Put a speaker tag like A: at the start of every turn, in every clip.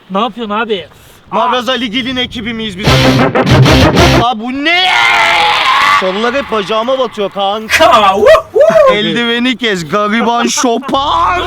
A: Ne yapıyorsun abi?
B: Maraz Ali Gelin ekibi miyiz biz? Aa bu ne? Çalılar hep bacağıma batıyor kanka. Eldiveni kes gariban şopar.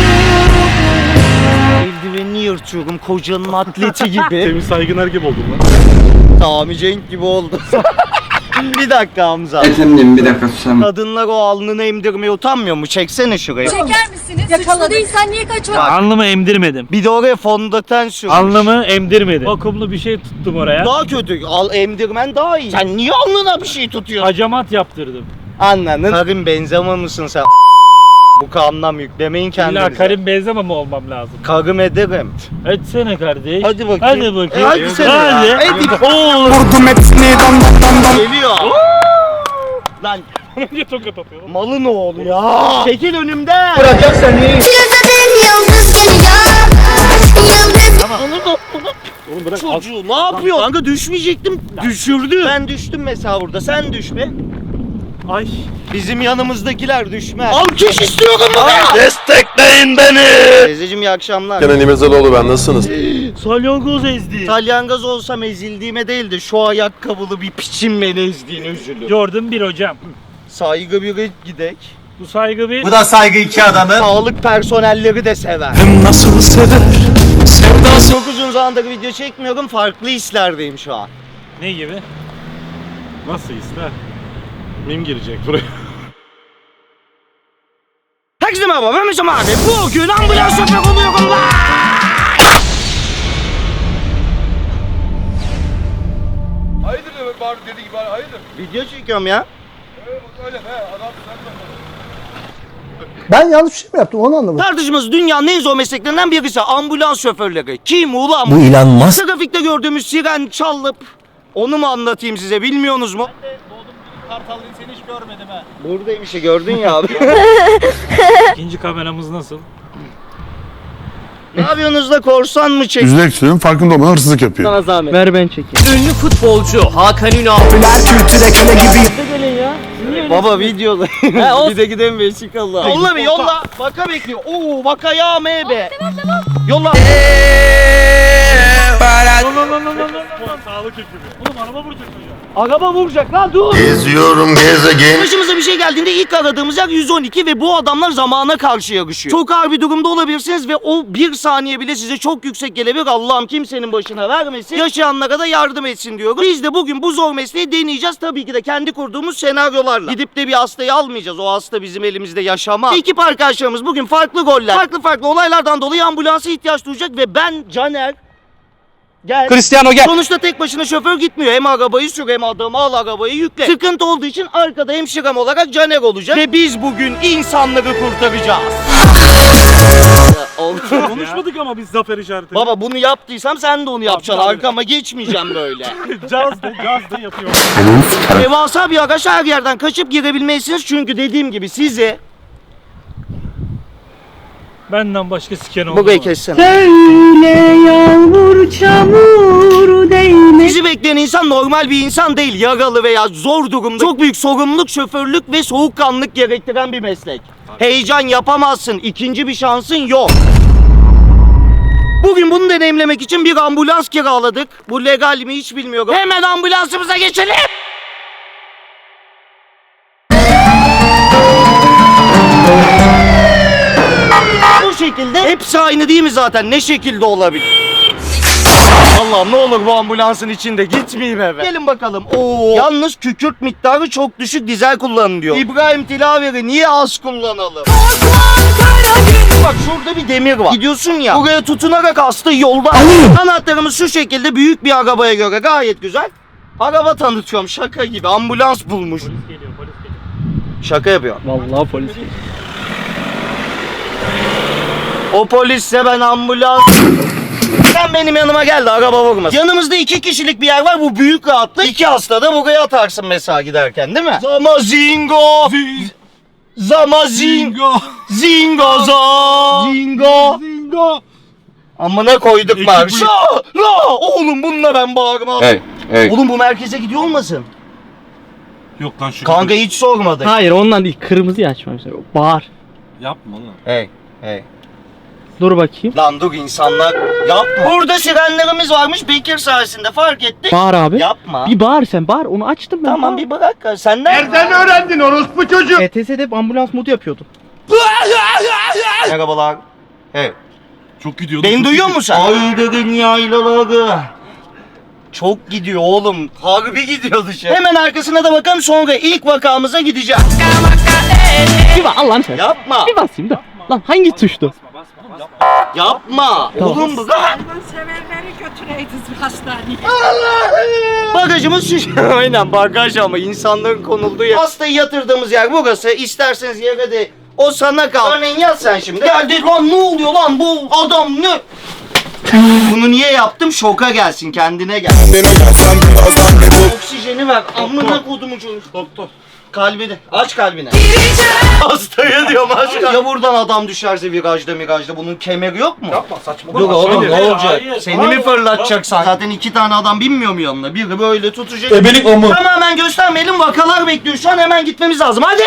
B: Eldivenini yırtıyorum kocanın atleti gibi.
C: Temiz Saygıner gibi oldun lan.
B: Sami Cenk gibi oldu. Bir dakika Hamza.
D: Efendim bir dakika susam.
B: Kadınlar o alnını emdirmeye utanmıyor mu? Çeksene şuraya.
E: Çeker misiniz? Suçlu değilsen niye kaçmadın?
A: Alnımı emdirmedim.
B: Bir de oraya fondöten sür.
A: Alnımı emdirmedim. Vakumlu bir şey tuttum oraya.
B: Daha kötü. Al emdirmen daha iyi. Sen niye alnına bir şey tutuyorsun?
A: Hacamat yaptırdım.
B: Anladın. Karim benzeme mısın sen? Bu anlam yüklemeyin kendinize.
A: İlla Karim benzeme mi olmam lazım?
B: Karım ederim.
A: Etsene kardeş.
B: Hadi bakayım.
A: Hadi bakayım.
B: Hadi sen
A: Hadi.
B: ya. Hadi.
A: Oo.
D: Vurdum hepsini dam.
B: Geliyor. Lan
A: Niye tokat atıyor?
B: malın oğlu ya. Çekil önümden.
D: Bırakacak seni.
E: Yıldız geliyor. Yıldız.
C: Oğlum bırak.
B: Çocuğu ne yapıyor? Kanka düşmeyecektim. Düşürdü. Ben düştüm mesela burada. Sen düşme.
A: Ay.
B: Bizim yanımızdakiler düşmez. Alkış istiyorum buraya.
F: Destekleyin beni.
B: Teyzeciğim iyi akşamlar.
F: Kenan İmirzalıoğlu ben, nasılsınız?
A: Salyangoz ezdi.
B: Salyangoz olsam ezildiğime değil de şu ayakkabılı bir piçin beni ezdiğine üzülüyorum.
A: Gördüm bir hocam.
B: Saygı bir gidek.
A: Bu saygı bir.
D: da saygı iki adamı.
B: Sağlık personelleri de sever.
D: Nasıl sever? Sevdası.
B: Çok uzun zamandır video çekmiyorum. Farklı hislerdeyim şu an.
A: Ne gibi?
C: Nasıl ister? Mim girecek buraya.
B: Herkese merhaba ben Mesut abi. Bugün ambulans şoförü oluyorum lan.
G: Hayırdır demek bari dediği gibi hayırdır.
B: Video çekiyorum ya.
G: Öyle be adam sen de.
H: Ben yanlış bir şey mi yaptım onu anlamadım.
B: Tartışması dünyanın en zor mesleklerinden birisi ambulans şoförleri. Kim ulan?
H: Bu Elon Musk.
B: Trafikte gördüğümüz siren çalıp onu mu anlatayım size bilmiyorsunuz mu?
A: Kartalıyım seni hiç görmedim ha.
B: Buradayım işte gördün ya abi.
A: İkinci kameramız nasıl?
B: Ne yapıyorsunuz da korsan mı çek?
F: Yüzde eksiyorum, farkında olmadan hırsızlık yapıyor.
B: Sana zahmet.
A: Ver ben çekeyim.
B: Ünlü futbolcu Hakan Ünal.
D: Kültüre köle gibi.
A: Gelin ya.
B: Baba videoda. Bir de gidelim Vesikalı. Yolla bir yolla. Vaka bekliyor. Oo vaka ya MB. Yolla.
C: Sağlık ekibi.
A: Oğlum araba vuracak hocam.
B: Araba vuracak lan dur.
F: Geziyorum gezegen.
B: Başımıza bir şey geldiğinde ilk aradığımız yer 112 ve bu adamlar zamana karşı yarışıyor. Çok ağır bir durumda olabilirsiniz ve o bir saniye bile size çok yüksek gelebilir. Allah'ım kimsenin başına vermesin. Yaşayanlara da yardım etsin diyoruz. Biz de bugün bu zor mesleği deneyeceğiz. Tabii ki de kendi kurduğumuz senaryolarla. Gidip de bir hastayı almayacağız. O hasta bizim elimizde yaşamaz. Ekip arkadaşlarımız bugün farklı goller, farklı olaylardan dolayı ambulansa ihtiyaç duyacak ve ben Caner gel.
D: Cristiano gel.
B: Sonuçta tek başına şoför gitmiyor. Hem arabayı sür hem adamı al arabayı yükle. Sıkıntı olduğu için arkada hemşirem olarak Caner olacak. Ve biz bugün insanları kurtaracağız.
C: Konuşmadık ama biz zafer işareti.
B: Baba bunu yaptıysam sen de onu yapacaksın.
C: Tabii.
B: Arkama geçmeyeceğim böyle.
C: Caz de yapıyor.
B: Devasa bir araç her yerden kaçıp girebilmelisiniz. Çünkü dediğim gibi sizi...
A: Benden başka siken oldu.
B: Burayı kessene.
E: Söyle yağmur çamur değme.
B: Bizi bekleyen insan normal bir insan değil. Yaralı veya zor durumda. Çok büyük sorumluluk, şoförlük ve soğukkanlılık gerektiren bir meslek. Heyecan yapamazsın. İkinci bir şansın yok. Bugün bunu deneyimlemek için bir ambulans kiraladık. Bu legal mi hiç bilmiyorum. Hemen ambulansımıza geçelim. Bu şekilde hepsi aynı değil mi zaten? Ne şekilde olabilir? Allah'ım ne olur bu ambulansın içinde gitmeyeyim eve. Gelin bakalım. Oo. Yalnız kükürt miktarı çok düşük, dizel kullanın diyor. İbrahim Tilaveri niye az kullanalım? Bak şurada bir demir var. Gidiyorsun ya. Buraya tutunarak hasta yolda. Anahtarımız şu şekilde, büyük bir arabaya göre gayet güzel. Araba tanıtıyorum şaka gibi. Ambulans bulmuş.
A: Polis geliyor.
B: Şaka yapıyor.
A: Vallahi polis geliyor.
B: O polisse ben ambulans... Sen benim yanıma gel de araba vurmasın. Yanımızda 2 kişilik bir yer var, bu büyük rahatlık. 2 hasta da buraya atarsın mesela giderken değil mi? Zamazingo. Zamazingo. Zingo Zingo. Zingo. Amına koyduk marşı. Oğlum bununla ben bağırmam.
D: Hey.
B: Oğlum bu merkeze gidiyor olmasın?
C: Yok lan şu.
B: Kanka hiç sormadık.
I: Hayır ondan değil, kırmızıyı açmamışlar. Bağır.
C: Yapma lan.
B: Hey.
I: Dur bakayım.
B: Lan dur insanlar yapma. Burada sirenlerimiz varmış Bekir sayesinde fark ettik.
I: Bağır abi.
B: Yapma.
I: Bir bağır sen bağır. Onu açtım ben.
B: Tamam bir bırak. Sen
G: Nereden öğrendin orospu çocuğu?
I: ETS'de hep ambulans modu yapıyordum.
B: Merhabalar. Evet.
C: Çok gidiyordu.
B: Beni
C: çok
B: duyuyor
C: gidiyor.
B: musun sen? Aydın yaylaları. Çok gidiyor oğlum. Harbi gidiyor dışarı. Hemen arkasına da bakalım sonra ilk vakamıza gideceğiz.
I: Bir bak Allah'ını seversen.
B: Yapma.
I: Bir basayım da. Lan hangi tuştu?
B: Yapma.
I: Tamam.
B: Oğlum bu.
E: Sevenleri götüreydiniz hastaneye.
B: Bagajımız şişiyor. Aynen bagaj ama insanların konulduğu yer. Hastayı yatırdığımız yer burası. İsterseniz yere de o sana kal. Örneğin yat sen şimdi. Geldi lan ne oluyor lan bu adam ne? Bunu niye yaptım? Şoka gelsin kendine gel. Oksijeni ver. Amına kodumu çocuk.
C: Doktor.
B: Kalbini. Aç kalbini. Hastaya diyorum aç kalbini. Ya buradan adam düşerse virajda bunun kemeri yok mu?
C: Yapma saçma.
B: Dur oğlum ne
C: Hayır,
B: olacak?
C: hayır.
B: Seni mi fırlatacaksan? Zaten 2 tane adam binmiyor mu yanına? Biri böyle tutacak.
D: Ebelik o mu?
B: Tamamen göstermeyelim, vakalar bekliyor. Şu an hemen gitmemiz lazım. Hadi!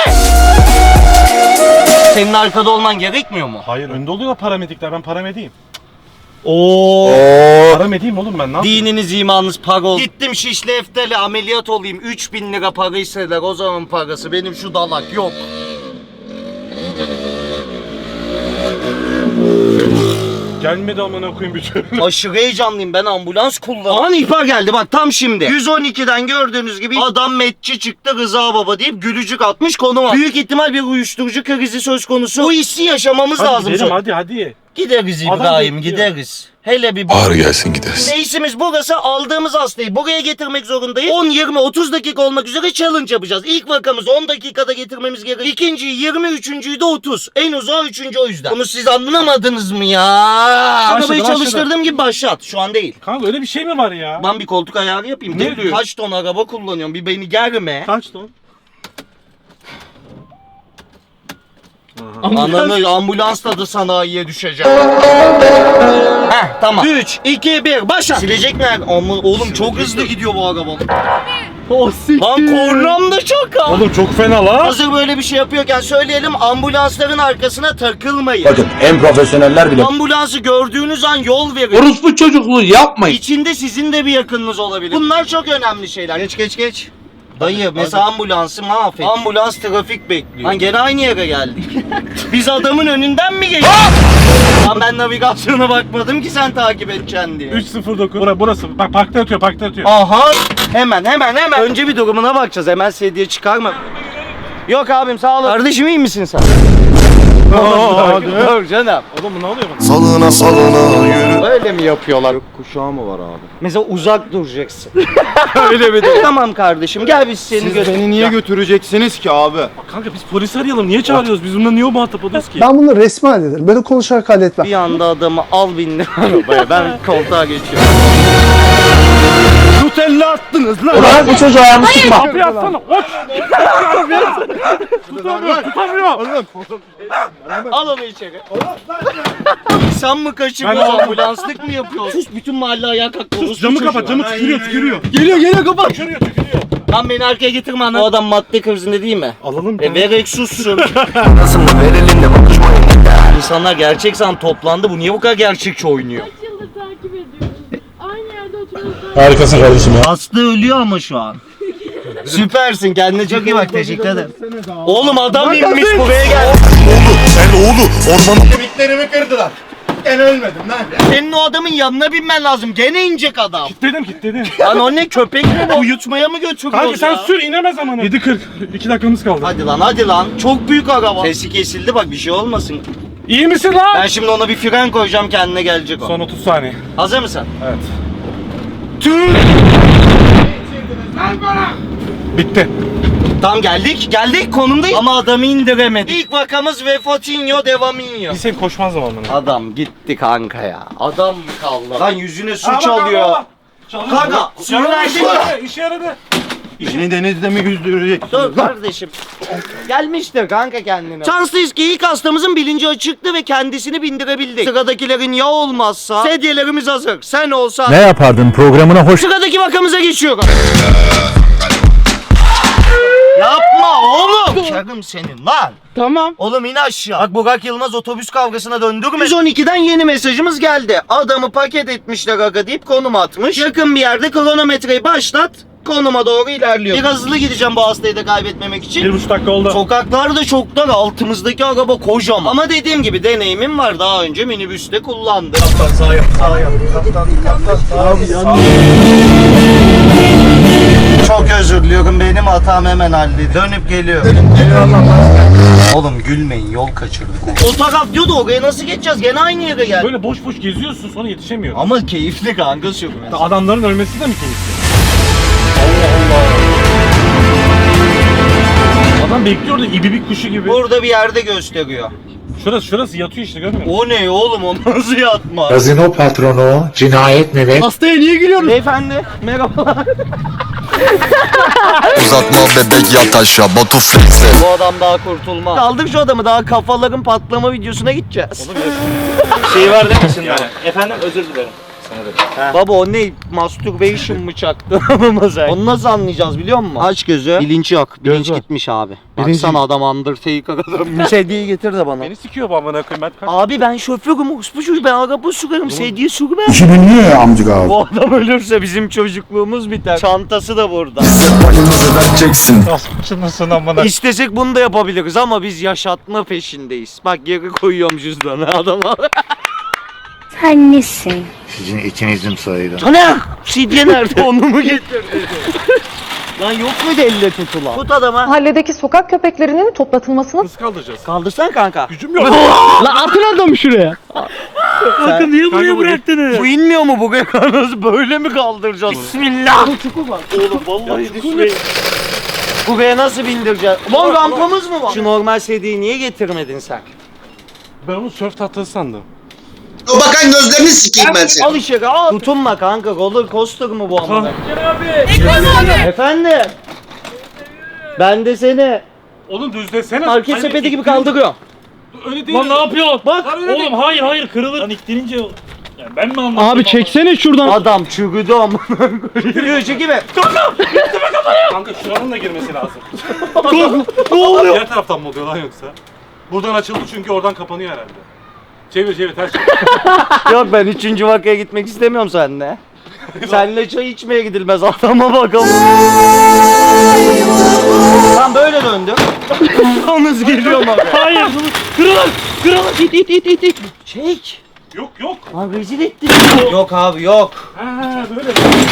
B: Senin arkada olman gerekmiyor mu?
C: Hayır önde oluyor paramedikler. Ben paramediyim.
B: Oo.
C: Paramediyim oğlum ben ne yapayım?
B: Dininiz imanınız para ol. Gittim Şişli Eftel'e ameliyat olayım. 3000 lira para istediler. O zaman parası. Benim şu dalak yok.
C: Gelmedi amına koyayım bir türlü.
B: Aşırı heyecanlıyım, ben ambulans kullanıyorum. An ihbar geldi bak tam şimdi. 112'den gördüğünüz gibi adam metçi çıktı Rıza Baba deyip gülücük atmış konu var. Büyük ihtimal bir uyuşturucu krizi söz konusu. Bu hissi yaşamamız
C: Hadi
B: lazım.
C: gidelim hadi.
B: Gideriz
C: Adam
B: İbrahim
C: bekliyor.
B: gideriz. Hele bir
F: Ağır gelsin gideriz.
B: Reisimiz burası, aldığımız hastayı buraya getirmek zorundayız. 10, 20, 30 dakika olmak üzere challenge yapacağız. İlk vakamız 10 dakikada getirmemiz gerekiyor. İkinciyi 20, üçüncüyü de 30. En uzağı üçüncü o yüzden. Bunu siz anlamadınız mı ya? Arabayı
C: başladı.
B: çalıştırdığım gibi başlat. Şu an değil.
C: Kanka öyle bir şey mi var ya?
B: Ben bir koltuk ayarı yapayım.
C: Ne diyor?
B: Kaç ton araba kullanıyorum? Bir beni germe.
C: Kaç ton?
B: Ananı ambulansla da sanayiye düşeceğim. Heh tamam. 3, 2, 1 başla. Silecek mi? Ama oğlum çok hızlı gidiyor bu araba.
I: O siktir.
B: Lan kornam da çok az.
C: Oğlum çok fena la.
B: Hazır böyle bir şey yapıyorken söyleyelim, ambulansların arkasına takılmayın.
D: Bakın en profesyoneller bile.
B: Ambulansı gördüğünüz an yol verin.
D: Orospu çocukluğu yapmayın.
B: İçinde sizin de bir yakınınız olabilir. Bunlar çok önemli şeyler. Geç. Dayı mesela ambulansı mahvet. Ambulans trafik bekliyor. Lan gene aynı yere geldik. Biz adamın önünden mi geçtik? Lan ben navigasyona bakmadım ki sen takip edeceksin diye.
C: 309. Burası. Bak parkta yatıyor.
B: Aha! Hemen. Önce bir durumuna bakacağız. Hemen sedye çıkarma. Yok abim sağ ol. Kardeşim iyi misin sen? Dur canım.
C: Oğlum bu ne oluyor bana?
F: Salına yürü.
B: Öyle mi yapıyorlar?
H: Kuşağı mı var abi?
B: Mesela uzak duracaksın. Öyle mi değil? Tamam kardeşim gel biz seni
H: Beni niye götüreceksiniz ki abi?
C: Kanka biz polisi arayalım. Niye çağırıyoruz? Biz bununla niye muhatap oluyoruz ki?
H: Ben bunu resmi hallederim. Böyle konuşarak halletmem.
B: Bir anda adamı al bindir arabaya. Ben koltuğa geçiyorum.
H: Nutella attınız lan. Ulan bu çocuğu ayağımı sıkma.
C: Kapıyı atsana. Koş. Tutamıyor.
B: Al onu içeri. Sen mi kaçırıyorsun?
C: Ben-
B: Ambulanslık mı yapıyorsun? Sus bütün mahalle ayağa kalktı.
C: Sus camı kapat. Camı tükürüyor.
B: Geliyor kapat.
C: Tükürüyor.
B: Lan beni arkaya getirme ana. O adam madde krizinde değil mi?
C: Alalım.
B: Vererek sussun.
F: Nasıl mı verelim de konuşmayın.
B: İnsanlar gerçek san toplandı. Bu niye bu kadar gerçekçi oynuyor?
E: Kaç yıldır takip ediyorum. Aynı yerde oturuyoruz.
D: Harikasın kardeşim ya.
B: Hasta ölüyor ama şu an. Süpersin. Kendine çok iyi bak. Teşekkür ederim. Oğlum adam inmiş buraya gel.
F: Sen oğlu ormanın
G: Kemiklerimi kırdılar. Ben ölmedim lan.
B: Senin o adamın yanına binmen lazım. Gene inecek adam.
C: Kilitledim.
B: Lan o ne köpek mi bu? Uyutmaya mı götürüyoruz
C: Kanka sen
B: ya?
C: sür inemez amına. 7:40. 2 dakikamız kaldı.
B: Hadi lan. Çok büyük araba. Sesi kesildi bak bir şey olmasın.
C: İyi misin lan?
B: Ben şimdi ona bir fren koyacağım kendine gelecek o.
C: Son 30 saniye.
B: Hazır mısın?
C: Evet.
B: Tüh!
C: Bitti.
B: Tam geldik konumdayız. Ama adamı indiremedik. İlk vakamız Vefotinho Devaminho.
C: Bir sen koşmaz mı amına?
B: Adam gitti kanka ya. Adam mı kaldı? Lan yüzüne su çalıyor. Kanka suyu verdin mi?
C: İşe yaradı.
H: Beni denizde mi yüzdürecek?
B: Dur kardeşim. Gelmiştir kanka kendine. Şanslıyız ki ilk hastamızın bilinci açıktı ve kendisini bindirebildik. Sıradakilerin ya olmazsa sedyelerimiz hazır. Sen olsan.
D: Ne yapardın programına hoş.
B: Sıradaki vakamıza geçiyorum. Yapma oğlum. Şarkım senin lan.
I: Tamam.
B: Oğlum in aşağı. Bak Burak Yılmaz otobüs kavgasına döndürme. 112'den yeni mesajımız geldi. Adamı paket etmişler aga deyip konum atmış. Yakın bir yerde kronometreyi başlat. Konuma doğru ilerliyor. Biraz hızlı gideceğim bu hastayı da kaybetmemek için.
A: 1,5 dakika oldu.
B: Sokaklar da çok dar. Altımızdaki araba kocaman. Ama dediğim gibi deneyimim var. Daha önce minibüste kullandım. Kaptan sağ yap. Sağ yap. Kaptan sağ. Çok özür diliyorum. Benim hatam hemen halledildi. Dönüp geliyor. Oğlum gülmeyin. Yol kaçırdık. O taraf diyordu oraya nasıl geçeceğiz? Gene aynı yere geldik.
C: Böyle boş boş geziyorsun sonra yetişemiyorsun.
B: Ama keyifli kanka sürmesi.
C: Adamların ölmesi de mi keyifli? Adam bekliyor da ibibik kuşu gibi.
B: Burada bir yerde gösteriyor.
C: Şurası yatıyor işte, görmüyor musun?
B: O ne oğlum, o nasıl yatma?
D: Gazino patronu, cinayet müvekkilim.
I: Hastaya niye gülüyorsun?
B: Beyefendi merhabalar.
F: Uzatma bebek yat aşağı Batu Flex'e.
B: Bu adam daha kurtulmaz. Kaldık şu adamı, daha kafaların patlama videosuna gideceğiz. Şey var değil misin?
A: Efendim özür dilerim.
B: Baba o ne? Masturbation mı çaktı? Onu nasıl anlayacağız biliyor musun? Aç gözü. Bilinç yok. Bilinç
C: var.
B: gitmiş abi. Baksana adam Undertaker'a dönmüş. Sedyeyi getir de bana.
C: Beni sikiyor bu amına koyayım, ben kaç...
B: Abi ben şoförüm, uspucuyum, ben araba sürarım, sedye sürmem.
H: İşini niye amcık abi?
B: Bu adam ölürse bizim çocukluğumuz biter. Çantası da burada.
F: Başımızı vereceksin.
A: Açılmasın amına.
B: İstesek bunu da yapabiliriz ama biz yaşatma peşindeyiz. Bak geri koyuyorum cüzdanı adama.
E: Sen nesin?
F: Sizin ikinizin sayıda.
B: Taner! Sidye nerede? Onu mu getirdin? Lan yok muydu elle tutulan? Tut adama.
E: Mahalledeki sokak köpeklerinin toplatılmasını
C: Nasıl kaldıracağız?
B: Kaldırsan kanka.
C: Gücüm yok.
I: Lan atın adamı şuraya.
B: Kanka
A: Niye buraya
C: Kanka,
A: bıraktınız?
B: Bu inmiyor mu bu nasıl böyle mi kaldıracağız? Bismillah.
A: Oğlum vallahi düşmeyin.
B: Buraya nasıl bindireceğiz? Lan rampamız mı var? Şu normal sedyeyi niye getirmedin sen?
C: Ben onu sörf tahtası sandım.
F: O bakan gözlerini sikeyim ben seni.
B: Al içeri al. Tutunma kanka, roller coaster mı bu amına? Efendim? Ben de seni
C: Oğlum düzlesene.
B: market sepeti gibi kaldırıyorum.
C: Öyle değil.
A: Lan ne yapıyorsun?
B: Bak.
A: Oğlum hayır kırılır. Lan iktirince yani ben mi anlattım?
I: Abi çeksene şuradan.
B: Adam çürüdü amına koyayım. Çekime.
C: Kanka şuranın da girmesi lazım. Ne oluyor? Diğer taraftan mı oluyor lan yoksa? Buradan açıldı çünkü oradan kapanıyor herhalde. Çevir ters çevir.
B: Yok ben 3. vakaya gitmek istemiyorum seninle. Seninle çay içmeye gidilmez, adama bakalım. Tam böyle döndüm. Yalnız geliyorum abi.
A: Hayır. Kırılır.
I: İt.
B: Çek.
C: Yok.
B: Abi rezil ettin. Yok abi yok.
C: Ha böyle.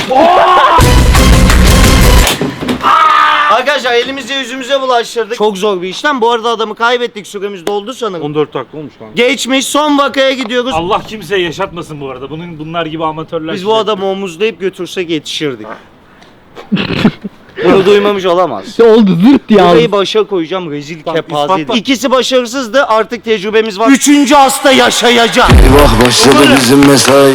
B: Arkadaşlar elimize yüzümüze bulaştırdık. Çok zor bir işlem. Bu arada adamı kaybettik, süremiz doldu sanırım.
C: 14 dakika olmuş kanka.
B: Geçmiş, son vakaya gidiyoruz.
A: Allah kimseye yaşatmasın bu arada. Bunlar gibi amatörler.
B: Biz bu adamı omuzlayıp götürsek yetişirdik. Bunu duymamış olamaz.
I: Oldu zırt ya.
B: Burayı başa koyacağım, rezil
C: Tamam,
B: kepaze.
C: ispatla.
B: İkisi başarısızdı, artık tecrübemiz var. 3. hasta yaşayacak.
F: Eyvah başladı bizim mesai.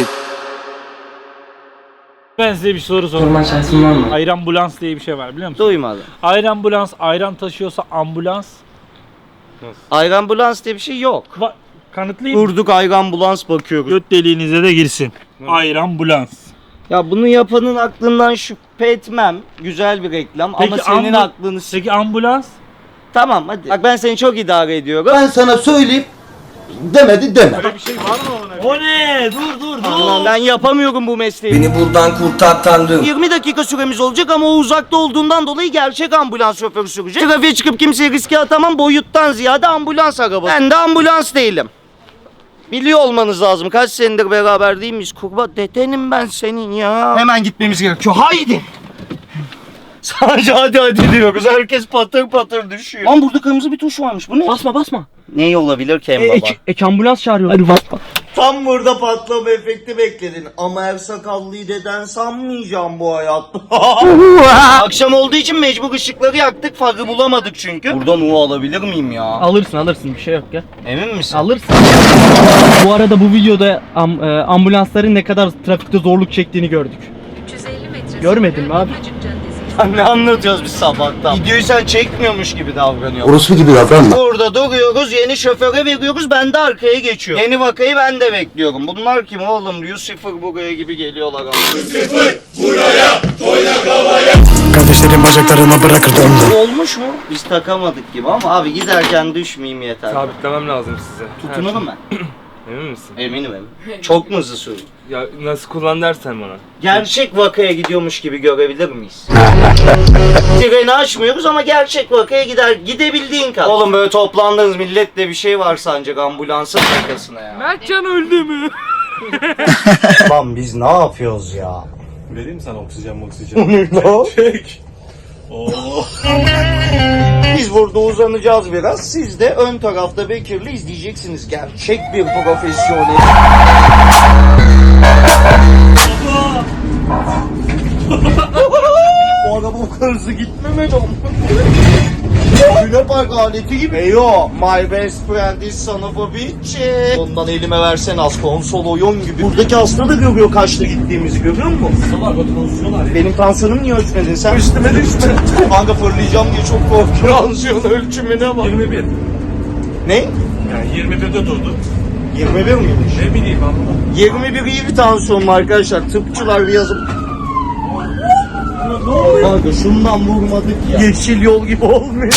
A: Ben size bir soru sorayım.
I: şansın var mı?
A: Ayrambulans diye bir şey var biliyor musun?
B: Duymadım.
A: Ayrambulans ayran taşıyorsa ambulans.
B: Ayranbulans diye bir şey yok.
A: Kanıtlayayım.
B: Durduk ayranbulans bakıyoruz.
A: Göt deliğinize de girsin. Ayrambulans.
B: Ya bunu yapanın aklından şüphe etmem. Güzel bir reklam ama
A: Peki
B: senin aklını...
A: Peki ambulans?
B: Tamam hadi. Bak ben seni çok idare ediyorum.
H: Ben sana söyleyeyim. Demedi deme.
C: Böyle bir şey var mı ona?
A: O ne? Dur.
B: Allah'ım ben yapamıyorum bu mesleği.
F: Beni buradan kurtar tanrım.
B: 20 dakika süremiz olacak ama o uzakta olduğundan dolayı gerçek ambulans şoförü sürecek. Trafiğe çıkıp kimseyi riske atamam, boyuttan ziyade ambulans arabası. Ben de ambulans değilim. Biliyor olmanız lazım. Kaç senedir beraber değil miyiz? Kurban dedenim ben senin ya. Hemen gitmemiz gerekiyor. Haydi. Sadece hadi diyoruz. Herkes patır patır düşüyor. Lan burada kırmızı bir tuş varmış. Bu ne?
I: Basma.
B: Ne olabilir ki en baba?
I: Ambulans çağırıyor. Hadi basma.
B: Tam burada patlama efekti bekledin. Ama her sakallıyı deden sanmayacağım bu hayatta. Akşam olduğu için mecbur ışıkları yaktık. Farkı bulamadık çünkü. Buradan U alabilir miyim ya?
I: Alırsın bir şey yok ya.
B: Emin misin?
I: Alırsın. Bu arada bu videoda ambulansların ne kadar trafikte zorluk çektiğini gördük.
E: 350 metre.
I: Görmedin mi abi?
B: Ne anlatıyoruz biz sabahtan? Videoyu sen çekmiyormuş gibi davranıyorsun.
H: Orospu gibi davranma.
B: Burada duruyoruz, yeni şoföre veriyoruz, ben de arkaya geçiyorum. Yeni vakayı ben de bekliyorum. Bunlar kim oğlum? Lucifer buraya gibi geliyorlar. Lucifer buraya, oyna kavaya.
F: kardeşlerin bacaklarına bırakırdım.
B: Olmuş mu? Biz takamadık gibi ama abi giderken düşmeyeyim yeter.
G: Sabitlemem lazım size.
B: Tutunurum ben.
G: Emin misin?
B: Eminim. Çok mu hızlı sürdün?
G: Ya nasıl kullan dersen bana.
B: Gerçek vakaya gidiyormuş gibi görebilir miyiz? Treni açmıyoruz ama gerçek vakaya gidebildiğin kadar. Oğlum böyle toplandığınız milletle bir şey var sancak ambulansın arkasına ya.
G: Mertcan öldü mü?
B: Lan biz ne yapıyoruz ya?
C: Vereyim mi sana oksijen? Çek.
B: Biz burada uzanacağız biraz. Siz de ön tarafta Bekir'le izleyeceksiniz. Gerçek bir profesyonel. Bu araba o kadar hızlı gitmemeli ama. Luna Park aleti gibi. Eyo, my best friend is son of a bitch. Ondan elime versen az konsol oyun gibi. Buradaki hasta da görüyor kaçta gittiğimizi, görüyor musun? Benim tansiyonum niye ölçmedin sen? Üstüme düşme. Kanka fırlayacağım diye çok korkuyorum. Tansiyon ölçümüne bak.
C: 21.
B: Ne?
C: Yani 21'de durdu.
B: 21 miymiş?
C: Ne bileyim abla.
B: 21 iyi bir tansiyonum arkadaşlar. Tıpçılar bir yazıp. Kanka şundan vurmadık ya. Yeşil yol gibi olmuyor.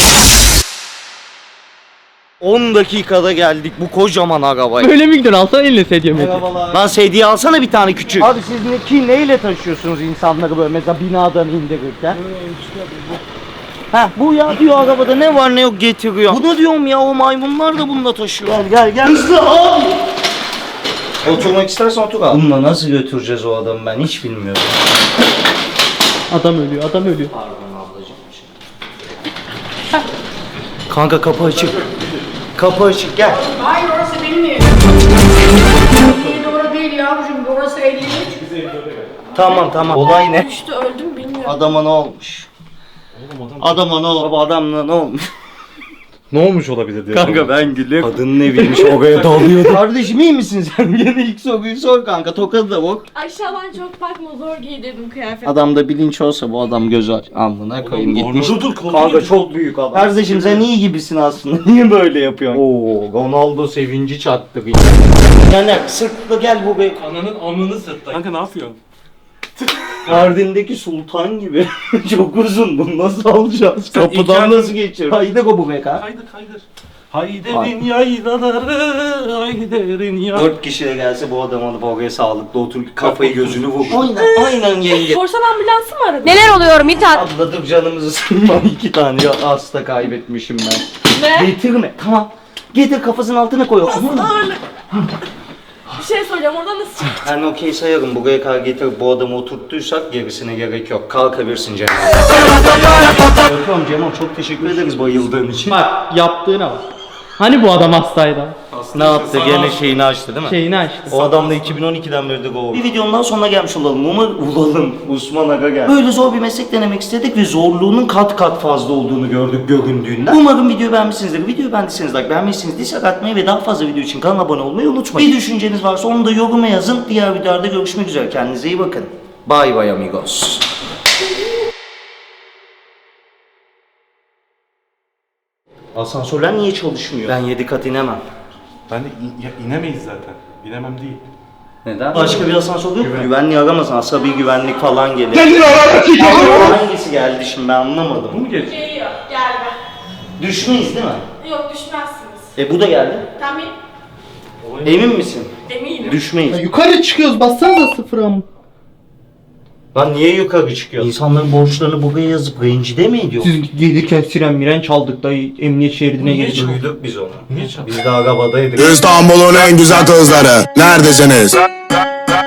B: 10 dakikada geldik bu kocaman arabaya.
I: Böyle mi gidiyorsun? Alsana eline sedye mi?
B: Lan sedye alsana bir tane küçük. Abi siz neyle taşıyorsunuz insanları böyle mesela binadan indirirken? Heh bu ya diyor arabada ne var ne yok getiriyor. Bunu diyorum ya o maymunlar da bununla taşıyor. Gel. Hızlı abi. Oturmak istersen otur abi. Bununla nasıl götüreceğiz o adamı ben hiç bilmiyorum.
I: Adam ölüyor.
B: Pardon ablacığım. Kanka kapı açık. Kapı açık gel.
E: Hayır orası benim evim. Doğru değil yavrucuğum. Orası 53.
B: Tamam. Olay ne?
E: İşte öldüm bilmiyorum.
B: Adama ne olmuş? Adama ne olmuş? Adamla ne olmuş?
C: Ne olmuş olabilir diye.
B: Kanka ben gülüyorum. Kadının eviymiş oraya dalıyordu. Kardeşim iyi misin sen? Gene ilk soruyu sor kanka. Tokadı da bak.
E: Aşağıdan çok bakma zor giydirdim kıyafet.
B: Adamda bilinç olsa bu adam göz aç. Amına koyayım gitmiş.
C: Dur.
B: Kanka çok büyük adam. Kardeşim sen iyi gibisin aslında. Niye böyle yapıyorsun? Oo, Ronaldo sevinci çattı. Yani sırtla gel bu be.
C: Ananın amını sırtla. Kanka ne yapıyorsun?
B: Mardin'deki sultan gibi. Çok uzun bunu nasıl alacağız?
C: Sen
B: Kapıdan
C: imkanı-
B: nasıl geçiyor? Haydi bu be ka.
C: Kaydır. Hayderin yaylaları, hayderin ya.
B: 4 kişi de gelse bu adam alıp oraya sağlıklı otur kafayı gözünü vur. Aynen yenge.
E: Korsan ambulansı mı aradın? Neler oluyor Mithat?
B: Abla dur canımızı sıkma 2 tane ya hasta kaybetmişim ben.
E: Ne?
B: Getirme tamam. Getir kafasının altına koy.
E: Ağırlık. Bir şey soracağım oradan nasıl çıktı?
B: Ben okey sayarım buraya kadar getirip bu adamı oturttuysak gerisine gerek yok. Kalkabilirsin Cemal. Öpüyorum Cemal çok teşekkür ederiz bayıldığın için.
I: Bak yaptığına bak. Hani bu adam hastaydı?
B: Ne yaptı gene şeyini açtı değil mi?
I: Şeyini açtı.
B: O adam da 2012'den beri de go. Bir videonun daha sonuna gelmiş olalım. Osman Aga geldi. Böyle zor bir meslek denemek istedik ve zorluğunun kat kat fazla olduğunu gördük göründüğünden. Umarım videoyu beğenmişsinizdir. Videoyu beğendiyseniz like, beğenmişsiniz dislike atmayı ve daha fazla video için kanala abone olmayı unutmayın. Bir düşünceniz varsa onu da yoruma yazın. Diğer videolarda görüşmek üzere. Kendinize iyi bakın. Bye bye amigos. Asansörler niye çalışmıyor? Ben 7 kat inemem.
C: Ben de inemeyiz zaten. İnemem değil.
B: Neden? Başka bir asansör yok mu? Güvenliği aramasın. Asabi güvenlik falan gelir. Hangisi geldi şimdi ben anlamadım.
C: Bu mu gelecek?
E: Geliyor. Gelme.
B: Düşmeyiz değil mi?
E: Yok düşmezsiniz.
B: Bu da geldi.
E: Tamam
B: Emin misin?
E: eminim.
B: Düşmeyiz.
I: Yukarı çıkıyoruz. Bassanıza sıfıra mı?
B: Lan niye yukarı çıkıyor? İnsanların borçlarını buraya yazıp rencide mi ediyor?
I: Siz gelirken siren miren çaldık da emniyet şeridine
B: Niye
I: girdik.
B: duyduk biz onu?
C: Niye çabuk?
B: Biz de arabadaydık.
F: İstanbul'un en güzel kızları. Neredesiniz?